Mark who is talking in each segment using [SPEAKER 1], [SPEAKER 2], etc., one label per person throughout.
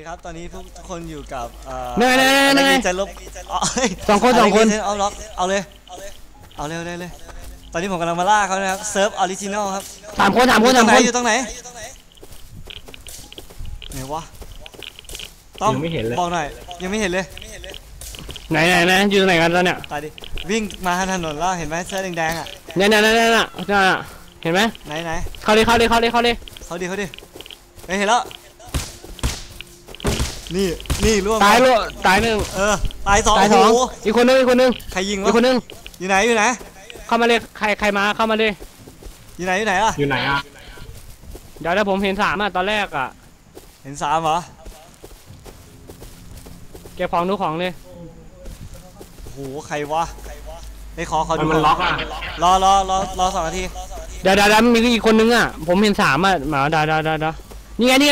[SPEAKER 1] ครับตอนนี้ทุกคนอยู่กับ
[SPEAKER 2] เน่
[SPEAKER 1] จะลบ
[SPEAKER 2] สองคน
[SPEAKER 1] เอาล็อกเอาเลยตอนนี้ผมกำลังมาล่าเขานะครับเซิร์ฟออริจินอลครับ
[SPEAKER 2] สามคน
[SPEAKER 1] อยู่ตรงไหนไหนวะต้องบอกหน่อยยังไม่เห็นเลย
[SPEAKER 2] ไหนอยู่ตรงไหนกันตอนเนี้ย
[SPEAKER 1] ตายดิวิ่งมาทางถนนแล้วเห็นไหมเสื้อแดงอ่ะ
[SPEAKER 2] เนี่ยเห็นไหม
[SPEAKER 1] ไหน
[SPEAKER 2] เข้าเลย
[SPEAKER 1] เขาดิเห็นแล้วนี่ล่วง
[SPEAKER 2] ตายหนึ่ง
[SPEAKER 1] ตายสอง
[SPEAKER 2] อีกคนนึง
[SPEAKER 1] ใครยิงวะ
[SPEAKER 2] อีกคนนึง
[SPEAKER 1] อยู่ไหน
[SPEAKER 2] เข้ามาเลยใครมาเข้ามาเลย
[SPEAKER 1] อยู่ไหนอ่ะ
[SPEAKER 2] เดี๋ยวผมเห็น3อ่ะตอนแรกอ่ะ
[SPEAKER 1] เห็น3เหรอ
[SPEAKER 2] เก็บของดูของเลย
[SPEAKER 1] โหใครวะไปขอดู
[SPEAKER 2] มันล็อกอ่ะ
[SPEAKER 1] รอ2 นาที
[SPEAKER 2] เดี๋ยวมีอีกคนนึงอ่ะผมเห็น3อ่ะมาได้นี่ไง
[SPEAKER 1] ไหน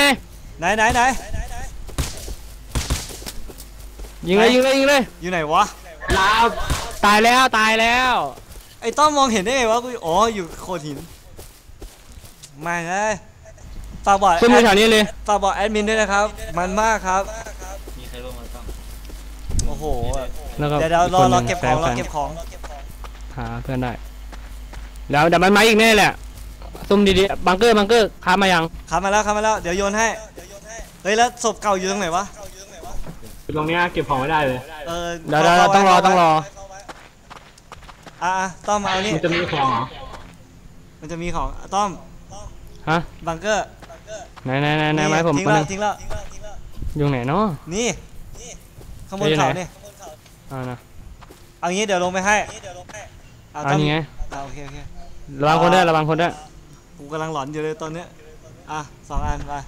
[SPEAKER 2] ยิงเลย
[SPEAKER 1] อยู่ไหนวะ
[SPEAKER 2] ตายแล้ว
[SPEAKER 1] ไอ้ต้อมมองเห็นได้ไงวะกูอ๋ออยู่โขดหินไม่เลยฝากบอก
[SPEAKER 2] ขึ้นมาแถวนี้เลย
[SPEAKER 1] ฝากบอกแอดมินด้วยนะครับมันมากครับ
[SPEAKER 3] มีใครร่วมมาต้อง
[SPEAKER 1] โอ้โหเดี๋ยวรอเก็บของ
[SPEAKER 2] หาเพื่อนได้แล้วเดี๋ยวมันมาอีกแน่แหละซุ่มดีๆบังเกอร์ค้ามายัง
[SPEAKER 1] ค้ามาแล้วเดี๋ยวโยนให้เฮ้ยแล้วศพเก่าอยู่ตรงไหนวะ
[SPEAKER 2] ตรงนี้เก็บของไม่ได้เลย
[SPEAKER 1] เดี๋ยว
[SPEAKER 2] ต้องรอ
[SPEAKER 1] ต้อมเอานี่
[SPEAKER 2] มันจะมีของเหรอ
[SPEAKER 1] มันจะมีของต้อม
[SPEAKER 2] ฮะ
[SPEAKER 1] บังเกอร์
[SPEAKER 2] ไหนไม้ผม
[SPEAKER 1] ทิ้งแล้ว
[SPEAKER 2] อยู่ไหนเนาะ
[SPEAKER 1] นี่ข้างบนเขาเนี่ยเอางี้เดี๋ยวลงไปให้
[SPEAKER 2] เอานี่ไง
[SPEAKER 1] โอเค
[SPEAKER 2] ระวังคนได้
[SPEAKER 1] กูกำลังหลอนอยู่เลยตอนเนี้ย2 อันไป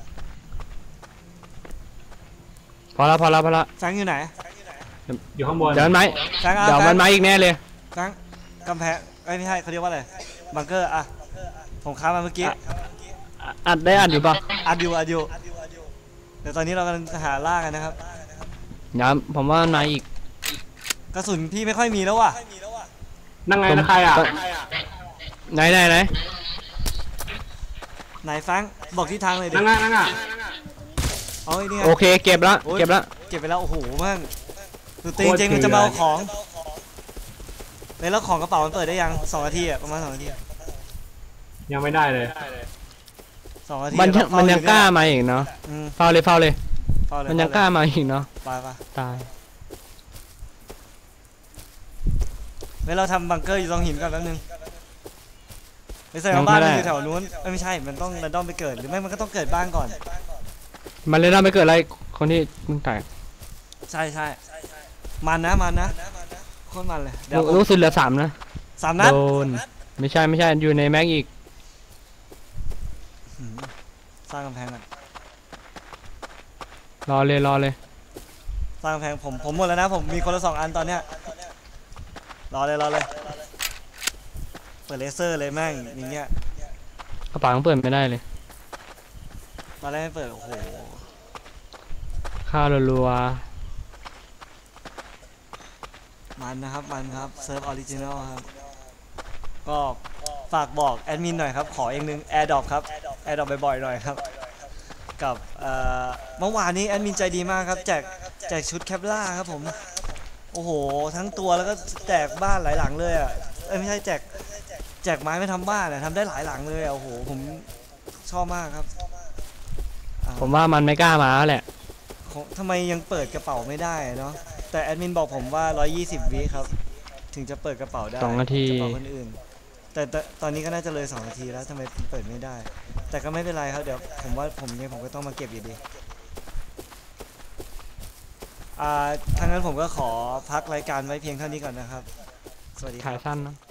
[SPEAKER 2] พอละ
[SPEAKER 1] แฟงอยู่ไหน
[SPEAKER 2] อยู่ข้างบนเดี๋ยวมันมาอีกแน่เลย
[SPEAKER 1] แฟงกำแพงไม่ใช่เขาเรียกว่าอะไรบังเกอร์ผมค้ามาเมื่อกี้
[SPEAKER 2] อัดอยู่ปะ
[SPEAKER 1] อัดอยู่เดี๋ยวตอนนี้เรากำลังหาล่ากันนะครับ
[SPEAKER 2] ผมว่ามันมาอีก
[SPEAKER 1] กระสุนพี่ไม่ค่อยมีแล้วว่ะ
[SPEAKER 2] นั่งไงนะใครอ่ะไหน
[SPEAKER 1] แฟงบอกที่ทางเลยดิ
[SPEAKER 2] นั่งโอเคเก็บ
[SPEAKER 1] ไปแล้วโอ้โหมั่งคือจริงมันจะมาเอาของแล้วของกระเป๋ามันเปิดได้ยัง2 นาทีประมาณ2 นาที
[SPEAKER 2] ยังไม่ได้เลย
[SPEAKER 1] 2 นาที
[SPEAKER 2] มันยังกล้ามาอีกเนาะเฝ้าเลยมันยังกล้ามาอีกเนาะตาย
[SPEAKER 1] เราทำบังเกอร์อยู่ตรงหินกันแป๊บนึงไม่ใช่บ้านมันอยู่แถวนู้นไม่ใช่มันต้องระดมไปเกิดหรือไม่มันก็ต้องเกิดบ้านก่อน
[SPEAKER 2] มันเลยระดมไปเกิดอะไรคนที่มึงตาย
[SPEAKER 1] ใช่มันนะโคตรมันเลย
[SPEAKER 2] รู้สึกเหลือ3 นะ
[SPEAKER 1] 3 นัด
[SPEAKER 2] โดนไม่ใช่อยู่ในแม็กอีก
[SPEAKER 1] สร้างกำแพงกัน
[SPEAKER 2] รอเลย
[SPEAKER 1] สร้างกำแพงผมหมดแล้วนะผมมีคนละ2 อันตอนเนี้ยรอเลยเปิดเลเซอร์เลยแม่งอย่างเงี้ย
[SPEAKER 2] กระเป๋าเปิดไม่ได้เลย
[SPEAKER 1] ตอนแรกไม่เปิดโอ้โห
[SPEAKER 2] ข้าวรัว
[SPEAKER 1] มันครับเซิร์ฟออริจินอลครับก็ฝากบอกแอดมินหน่อยครับขออีกนึงแอร์ดรอปครับแอร์ดรอปบ่อยๆหน่อยครับกับเมื่อวานนี้แอดมินใจดีมากครับแจกชุดแคปล่าครับผมโอ้โหทั้งตัวแล้วก็แจกบ้านหลายหลังเลยไม่ใช่แจกไม้ไม่ทำบ้านทำได้หลายหลังเลยโอ้โหผมชอบมากครับ
[SPEAKER 2] ผมว่ามันไม่กล้ามาแหละ
[SPEAKER 1] ทำไมยังเปิดกระเป๋าไม่ได้เนาะแต่แอดมินบอกผมว่า120 วิครับถึงจะเปิดกระเป๋าได้
[SPEAKER 2] 2 นาที
[SPEAKER 1] กระเป๋าคนอื่นแต่ตอนนี้ก็น่าจะเลย2 นาทีแล้วทำไมเปิดไม่ได้แต่ก็ไม่เป็นไรครับเดี๋ยวผมว่าผมก็ต้องมาเก็บอยู่ดีทางนั้นผมก็ขอพักรายการไว้เพียงเท่านี้ก่อนนะครับสวัสดี
[SPEAKER 2] ถ่ายสั้นเนาะ